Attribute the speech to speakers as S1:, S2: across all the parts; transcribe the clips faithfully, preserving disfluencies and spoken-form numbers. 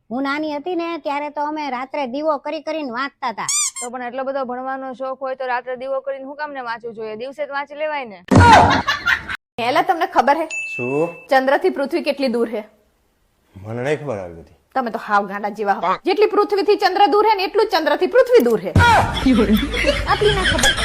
S1: હું નાની હતી ને ત્યારે તો અમે રાત્રે દીવો કરી કરીને વાંચતા હતા.
S2: તો પણ એટલો બધો ભણવાનો શોખ હોય તો રાત્રે દીવો કરીને હું કામ ને વાંચવું જોઈએ? દિવસે જ વાંચી લેવાય ને.
S3: એલા તમને ખબર હે
S4: શું?
S3: ચંદ્ર થી પૃથ્વી કેટલી દૂર હે?
S4: મને નહીં ખબર આવી બધી.
S3: તમે તો હાવ ગાંડા જેવા હો. જેટલી પૃથ્વી થી ચંદ્ર દૂર હે ને એટલું જ ચંદ્ર થી પૃથ્વી દૂર હે. આટલી ના ખબર.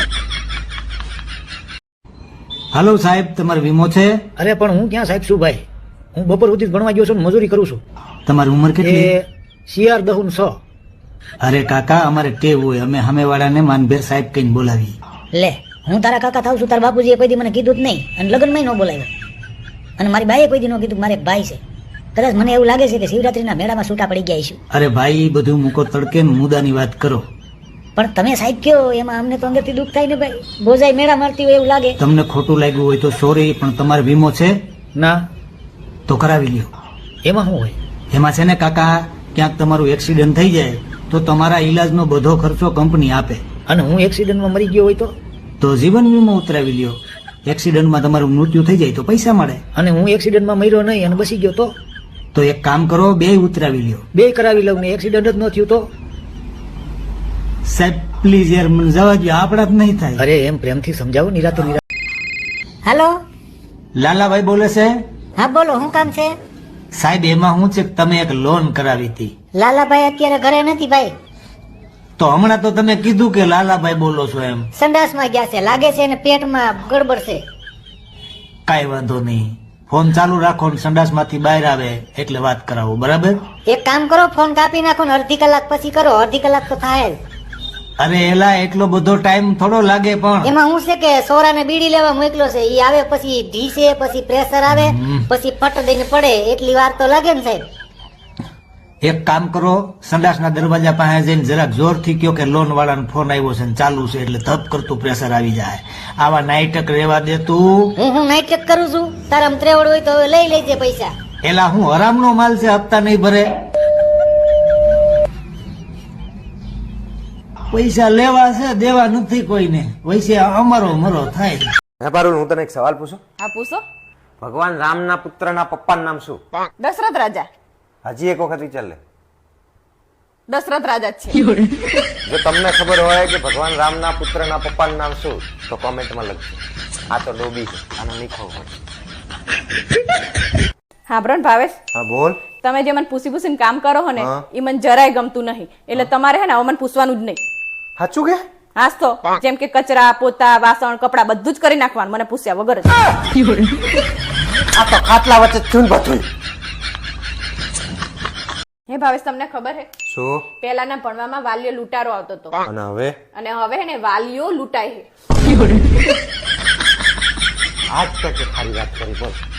S5: હાલો સાહેબ, તમારો વીમો છે?
S6: અરે પણ હું ક્યાં સાહેબ છું ભાઈ, હું બપોર સુધી ભણવા ગયો છું ને મજૂરી કરું છું.
S5: તમારી ઉંમર કેટલી?
S6: એ સીઆર દહુન સો.
S5: અરે કાકા, અમારે ટેવ હોય, અમે સામેવાળાને માનભેર સાહેબ કહીને બોલાવી.
S7: લે હું તારા કાકા થાવ છું, તારા બાપુજીએ કોઈ દી મને કીધું જ નહીં અને લગ્નમાં ન બોલાવ્યો, અને મારી બાઈએ કોઈ દી ન કીધું કે મારે એક ભાઈ છે. કદાચ મને એવું લાગે છે કે શિવરાત્રીના મેળામાં છૂટા પડી ગયા છું.
S5: અરે ભાઈ, ઈ બધું મૂકો તડકે ને મુદ્દાની વાત કરો.
S7: પણ તમે સાહેબ કયો એમાં અમને તો અંદરથી દુઃખ થાય ને ભાઈ. બોજાઈ મેળા મારતી હોય એવું લાગે.
S5: તમને ખોટું લાગ્યું હોય તો સોરી, પણ તમારો વીમો છે?
S6: ના.
S5: તો કરાવી લ્યો.
S6: એમાં શું હોય?
S5: એમાં છે ને કાકા, ક્યાંક તમારું એક્સિડન્ટ થઈ જાય તો તમારા ઈલાજનો બધો ખર્ચો કંપની આપે.
S6: અને હું એક્સિડન્ટમાં મરી ગયો હોય તો?
S5: તો જીવન વીમો ઉતરાવી લ્યો. એક્સિડન્ટમાં તમારું મૃત્યુ થઈ જાય તો પૈસા મળે.
S6: અને હું એક્સિડન્ટમાં મર્યો નહીં અને બસી ગયો તો?
S5: તો એક કામ કરો, બે ઉતરાવી લ્યો.
S6: બે કરાવી લઉં ને એક્સિડન્ટ જ ન થયું તો?
S5: સાહેબ પ્લીઝ યાર, મને જવા દો, આપણા જ નહીં થાય.
S6: અરે એમ પ્રેમથી સમજાવો. નિરાતે નિરા
S7: હાલો,
S5: લાલાભાઈ બોલે છે?
S7: હા બોલો, શું કામ છે?
S5: સાહેબ એમાં શું છે કે તમે એક લોન કરાવી હતી.
S7: લાલાભાઈ અત્યારે ઘરે નથી ભાઈ,
S5: તો હમણાં તો તમે કીધું કે લાલાભાઈ બોલો છો એમ.
S7: સંડાસમાં ગયા છે લાગે છે, અને પેટમાં ગડબડ છે.
S5: કાઈ વાંધો નહીં, ફોન ચાલુ રાખો ને સંડાસ માંથી બહાર આવે એટલે વાત કરાવો, બરાબર?
S7: એક કામ કરો, ફોન કાપી નાખો ને અડધી કલાક પછી કરો. અડધી કલાક તો થાય જ.
S5: અરે એલા, એટલો બધો ટાઈમ થોડો લાગે. પણ
S7: એમાં શું છે કે સોરાને બીડી લેવા મોકલો છે, ઈ આવે પછી ઢીસે, પછી પ્રેશર આવે, પછી ફટ દઈને પડે, એટલી વાર તો લાગે ને સાહેબ.
S5: એક કામ કરો, સંડાસના દરવાજા પાસે જઈને જરાક જોરથી કયો કે લોન વાળાનો ફોન આવ્યો છે ને ચાલુ છે, એટલે ધપ કરતું પ્રેશર આવી જાય. આવા નાઈટક રેવા દે તું.
S7: હું હું નાઈટ કરું છું, તારા ત્રેવડ હોય તો હવે લઈ લેજે પૈસા.
S5: એલા હું હરામનો માલ છે, હપ્તા નહીં ભરે. પૈસા લેવા છે, દેવા નથી કોઈને. વૈસે અમારો મરો થાય.
S4: હે પારુલ, હું તને એક સવાલ પૂછું?
S3: હા પૂછો.
S4: ભગવાન રામના પુત્રના પપ્પાનું નામ શું?
S3: દશરથ રાજા.
S4: હજી એક વખત વિચાર લે.
S3: દશરથ રાજા જ છે.
S4: જો તમને ખબર હોય કે ભગવાન રામના પુત્રના પપ્પાનું નામ શું, તો કોમેન્ટમાં લખજો. આ તો ડોબી છે, આનો નહીં ખબર હોય.
S3: હા બ્રન ભાવેશ,
S4: હા બોલ.
S3: તમે જે મને પૂછી પૂછીને કામ કરો હો ને,
S4: હા.
S3: એ મને જરાય ગમતું નહીં. એટલે તમારે હે ને હવે મને પૂછવાનું જ નહીં.
S4: સાચું કે?
S3: હાસ તો જેમ કે કચરા, પોતા, વાસણ, કપડા બધું જ કરી નાખવાનું મને પૂછ્યા વગર જ.
S4: આ તો ખાટલા વચ્ચે ચૂન બધું.
S3: હે ભાવેશ, તમને ખબર હે
S4: શું?
S3: પહેલાના ભણવામાં વાલીઓ લૂંટારો આવતો હતો,
S4: અને હવે?
S3: અને હવે હે ને વાલીઓ લૂંટાય છે.
S4: આજ તો કે ખાલી વાત કરી બોલ.